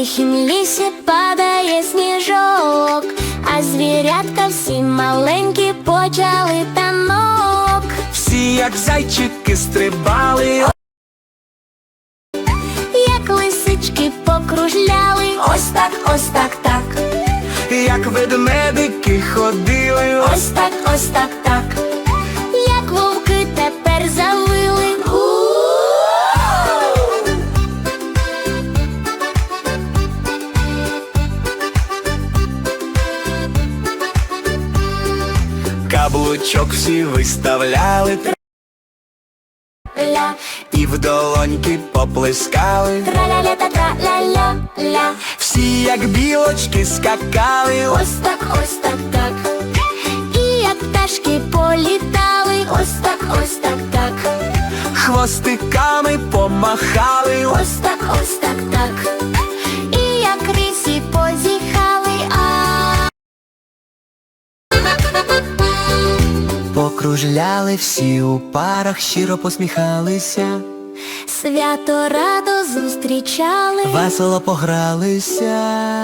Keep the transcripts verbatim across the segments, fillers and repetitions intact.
тихім лісі падає сніжок, а звірятка всі маленькі почали танок. Всі як зайчики стрибали, як лисички покружляли, ось так, ось так, так. як ведмедики ходили, Ось так, ось так, так. Як вовки тепер завили. каблучок всі виставляли, Ля, і в долоньки поплескали. траля-ля та тра-ля-ля-ля. Всі як білочки скакали, Ось так, ось так, так. І як пташки політали. Ось так, ось так, так. хвостиками помахали. Ось так, ось так, так. І як рисі позіхали. А Покружляли всі у парах, щиро посміхалися, свято радо зустрічали. весело погралися.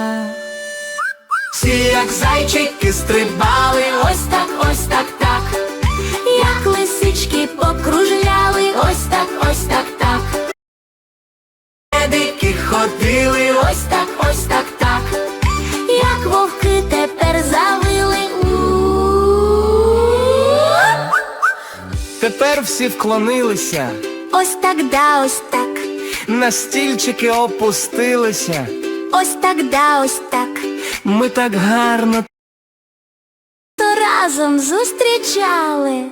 Всі як зайчики стрибали, Ось так, ось так, так. Як лисички покружляли. Ось так, ось так, так. ведмедики ходили, Ось так, ось так, так. Як вовки тепер завили. тепер всі вклонилися, Ось так, да, ось так. на стільчики опустилися. Ось так, да, ось так. Ми так гарно То разом зустрічали.